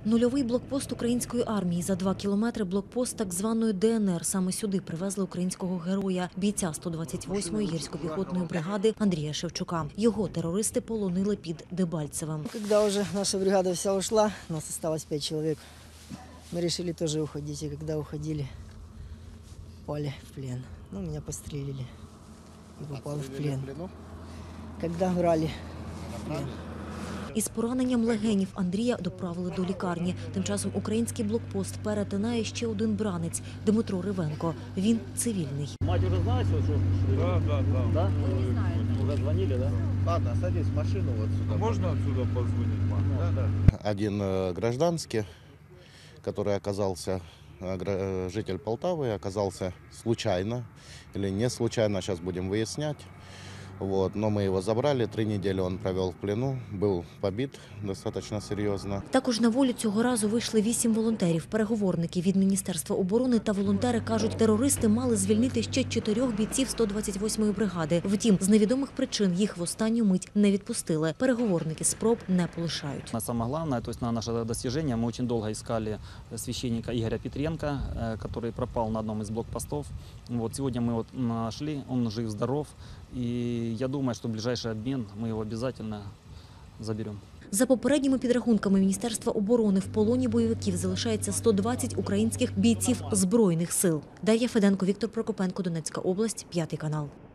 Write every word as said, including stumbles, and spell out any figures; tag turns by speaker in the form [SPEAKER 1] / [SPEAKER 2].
[SPEAKER 1] Нульовий блокпост української армії. За два кілометри блокпост так званої Де Ен Ер. Саме сюди привезли українського героя, бійця сто двадцять восьмої гірсько-піхотної бригади Андрія Шевчука. Його терористи полонили під Дебальцевим.
[SPEAKER 2] Коли вже наша бригада вся ушла, нас залишилось п'ять чоловік. Ми вирішили теж уходити. І коли уходили, попали в плен. Ну, мене пострілили і попали в плен. Коли брали в плен.
[SPEAKER 1] Із пораненням легенів Андрія доправили до лікарні. Тим часом український блокпост перетинає ще один бранець – Дмитро Ривенко. Він цивільний.
[SPEAKER 3] Мать уже знає, що...
[SPEAKER 4] Да, да, да.
[SPEAKER 3] Да? Уже дзвонили, да?
[SPEAKER 4] Ладно, садись в машину вот сюда. Можно отсюда позвонить, мам? Да, да.
[SPEAKER 5] Один гражданский, который оказался, житель Полтавы, оказался случайно или не случайно, сейчас будем выяснять. Вот, но мы его забрали, три недели он провел в плену, был побит достаточно серьезно.
[SPEAKER 1] Також на волю цього разу вийшли вісім волонтерів. Переговорники від Міністерства оборони та волонтери кажуть, терористи мали звільнити ще чотирьох бійців сто двадцять восьмої бригади. Втім, з невідомих причин їх в останню мить не відпустили. Переговорники спроб не полишають.
[SPEAKER 3] Самое главное, то есть на наше достижение, мы очень долго искали священника Игоря Петренко, который пропал на одном из блокпостов. Вот, сегодня мы его нашли, он жив-здоров. И я думаю, что в ближайший обмен мы его обязательно заберем.
[SPEAKER 1] За попередніми підрахунками Міністерства оборони в полоні бойовиків залишається сто двадцять українських бійців Збройних сил. Дар'я Феденко, Віктор Прокопенко, Донецька область, п'ятий канал.